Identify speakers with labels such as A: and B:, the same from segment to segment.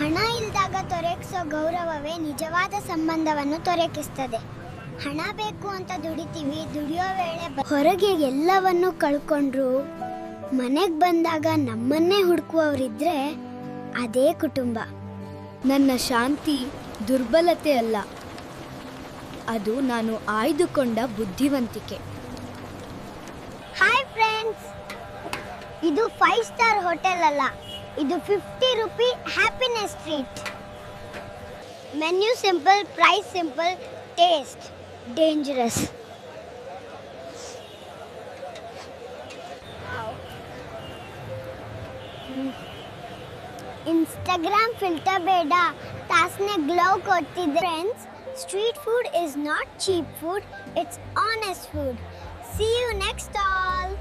A: ಹಣ ಇಲ್ದಾಗ ತೊರಗಿಸೋ ಗೌರವವೇ ನಿಜವಾದ ಸಂಬಂಧವನ್ನು ತೊರಕಿಸ್ತದೆ. ಹಣ ಬೇಕು ಅಂತ ದುಡಿತೀವಿ, ದುಡಿಯೋ ವೇಳೆ ಹೊರಗೆ ಎಲ್ಲವನ್ನೂ ಕಳ್ಕೊಂಡ್ರು ಮನೆಗೆ ಬಂದಾಗ ನಮ್ಮನ್ನೇ ಹುಡುಕುವವರಿದ್ರೆ ಅದೇ ಕುಟುಂಬ.
B: ನನ್ನ ಶಾಂತಿ ದುರ್ಬಲತೆ ಅಲ್ಲ, ಅದು ನಾನು ಆಯ್ದುಕೊಂಡ ಬುದ್ಧಿವಂತಿಕೆ.
A: ಹಾಯ್ ಫ್ರೆಂಡ್ಸ್, ಇದು 5 ಸ್ಟಾರ್ ಹೋಟೆಲ್ ಅಲ್ಲ, ಇದು 50 rupee happiness treat. Menu simple, price simple, taste dangerous. Instagram filter ಬೇಡ, ತಾಸ್ನೆ ಗ್ಲೋ ಕೊಡ್ತಿದ್ದೆ. Friends, street food is not cheap food, it's honest food. See you next all.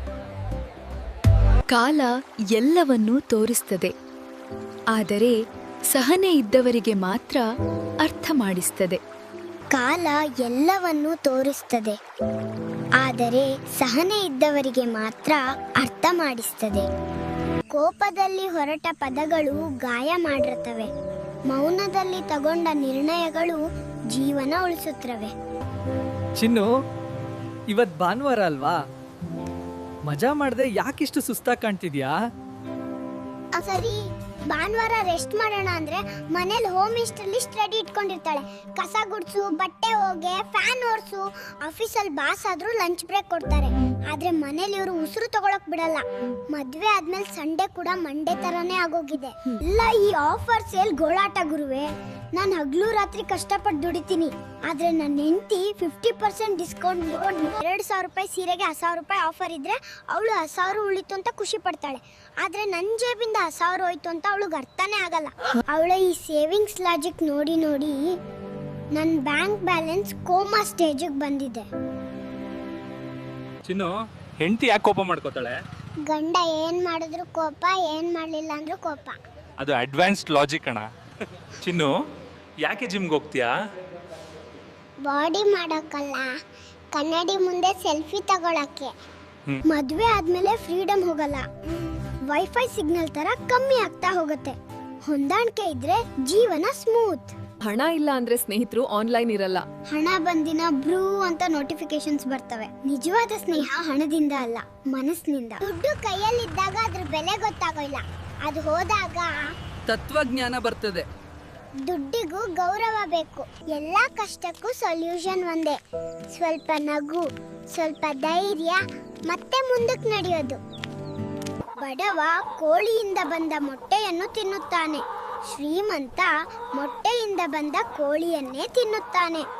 C: ಕಾಲ ಎಲ್ಲವನ್ನೂ ತೋರಿಸ್ತದೆ, ಆದರೆ ಸಹನೆ ಇದ್ದವರಿಗೆ ಮಾತ್ರ ಅರ್ಥ ಮಾಡಿಸ್ತದೆ.
A: ಕಾಲ ಎಲ್ಲವನ್ನೂ ತೋರಿಸ್ತದೆ, ಆದರೆ ಸಹನೆ ಇದ್ದವರಿಗೆ ಮಾತ್ರ ಅರ್ಥ ಮಾಡಿಸ್ತದೆ. ಕೋಪದಲ್ಲಿ ಹೊರಟ ಪದಗಳು ಗಾಯ ಮಾಡಿರ್ತವೆ, ಮೌನದಲ್ಲಿ ತಗೊಂಡ ನಿರ್ಣಯಗಳು ಜೀವನ ಉಳಿಸುತ್ತವೆ.
D: ಚಿನ್ನು, ಇವತ್ ಭಾನುವಾರ ಅಲ್ವಾ? ಮಜಾ ಮಾಡದೆ ಯಾಕಿಷ್ಟು ಸುಸ್ತಾಗಿ ಕಾಣ್ತಿದ್ಯಾ?
A: ಸರಿ, ಭಾನುವಾರ ರೆಸ್ಟ್ ಮಾಡೋಣ ಅಂದ್ರೆ ಮನೇಲಿ ಹೋಮ್ ಮಿನಿಸ್ಟರ್ ಲಿಸ್ಟ್ ರೆಡಿ ಇಟ್ಕೊಂಡಿರ್ತಾಳೆ. ಕಸ ಗುಡ್ಸು, ಬಟ್ಟೆ ಹೋಗೆ, ಫ್ಯಾನ್ ಓಡಿಸು. ಆಫೀಸಲ್ಲಿ ಬಾಸ್ ಆದ್ರೂ ಲಂಚ್ ಬ್ರೇಕ್ ಕೊಡ್ತಾರೆ, ಆದ್ರೆ ಮನೇಲಿ ಇವರು ಉಸಿರು ತಗೊಳಕ್ ಬಿಡಲ್ಲ. ಮದ್ವೆ ಆದ್ಮೇಲೆ ಸಂಡೇ ಕೂಡ ಮಂಡೇ ತರಾನೇ ಆಗೋಗಿದೆ. ಇಲ್ಲ, ಈ ಆಫರ್ ಸೇಲ್ ಗೋಳಾಟ ಗುರುವೆ. ನಾನು ಹಗ್ಲು ರಾತ್ರಿ ಕಷ್ಟಪಟ್ಟು ದುಡಿತೀನಿ, ಆದ್ರೆ ನನ್ನ ಹೆಂಡತಿ 50% ಡಿಸ್ಕೌಂಟ್ 2,000 ರೂಪಾಯಿ ಸೀರೆಗೆ 1,000 ರೂಪಾಯಿ ಆಫರ್ ಇದ್ರೆ ಅವಳು 1,000 ಉಳಿತು ಅಂತ ಖುಷಿ ಪಡ್ತಾಳೆ. ಆದ್ರೆ ನನ್ನ ಜೇಬಿಂದ 1,000 ಹೋಯ್ತು ಅಂತ ಅವಳಿಗೆ ಅರ್ಥನೇ ಆಗಲ್ಲ. ಅವಳ ಈ ಸೇವಿಂಗ್ಸ್ ಲಾಜಿಕ್ ನೋಡಿ ನೋಡಿ ನನ್ನ ಬ್ಯಾಂಕ್ ಬ್ಯಾಲೆನ್ಸ್ ಕೋಮಾ ಸ್ಟೇಜಿಗೆ ಬಂದಿದೆ.
E: ಚಿನ್ನು, ಹೆಂಡತಿ ಯಾಕೆ ಕೋಪ ಮಾಡ್ಕೋತಾಳೆ?
A: ಗಂಡ ಏನ್ ಮಾಡಿದ್ರು ಕೋಪ, ಏನ್ ಮಾಡ್ಲಿಲ್ಲ ಅಂದ್ರೂ ಕೋಪ.
E: ಅದು ಅಡ್ವಾನ್ಸ್ಡ್ ಲಾಜಿಕ್ ಅಣ್ಣ. ಚಿನ್ನು, ಯಾಕೆ ಜಿಮ್ಗೆ ಹೋಗ್ತೀಯಾ?
A: ಬಾಡಿ ಮಾಡಕ್ಕಲ್ಲ, ಕನ್ನಡಿ ಮುಂದೆ ಸೆಲ್ಫಿ ತಗೊಳಕ್ಕೆ. ಮದ್ವೆ ಆದ್ಮೇಲೆ ಫ್ರೀಡಮ್ ಹೋಗಲ್ಲ, ವೈಫೈ ಸಿಗ್ನಲ್ ತರ ಕಮ್ಮಿ ಆಗ್ತಾ ಹೋಗುತ್ತೆ. ಹೊಂದಾಣಿಕೆ ಇದ್ರೆ ಜೀವನ ಸ್ಮೂತ್.
F: ಹಣ ಇಲ್ಲ ಅಂದ್ರೆ ಸ್ನೇಹಿತರು ಆನ್ಲೈನ್ ಇರಲ್ಲ.
A: ಹಣ ಬಂದಿನ ಬ್ರೂ ಅಂತ ನೋಟಿಫಿಕೇಶನ್ಸ್ ಬರ್ತವೆ. ನಿಜವಾದ ಸ್ನೇಹ ಹಣದಿಂದ ಅಲ್ಲ, ಮನಸ್ಸಿನಿಂದ. ದುಡ್ಡು ಕೈಯಲ್ಲಿದ್ದಾಗ ಅದ್ರ ಬೆಲೆ ಗೊತ್ತಾಗೋಲ್ಲ, ಅದು ಹೋದಾಗ
D: ತತ್ವಜ್ಞಾನ ಬರ್ತದೆ.
A: ದುಡ್ಡಿಗೂ ಗೌರವ ಬೇಕು. ಎಲ್ಲಾ ಕಷ್ಟಕ್ಕೂ ಸೊಲ್ಯೂಷನ್ ಒಂದೇ, ಸ್ವಲ್ಪ ನಗು, ಸ್ವಲ್ಪ ಧೈರ್ಯ, ಮತ್ತೆ ಮುಂದಕ್ಕೆ ನಡೆಯೋದು. ಬಡವ ಕೋಳಿಯಿಂದ ಬಂದ ಮೊಟ್ಟೆಯನ್ನು ತಿನ್ನುತ್ತಾನೆ, ಶ್ರೀಮಂತ ಮೊಟ್ಟೆಯಿಂದ ಬಂದ ಕೋಳಿಯನ್ನೇ ತಿನ್ನುತ್ತಾನೆ.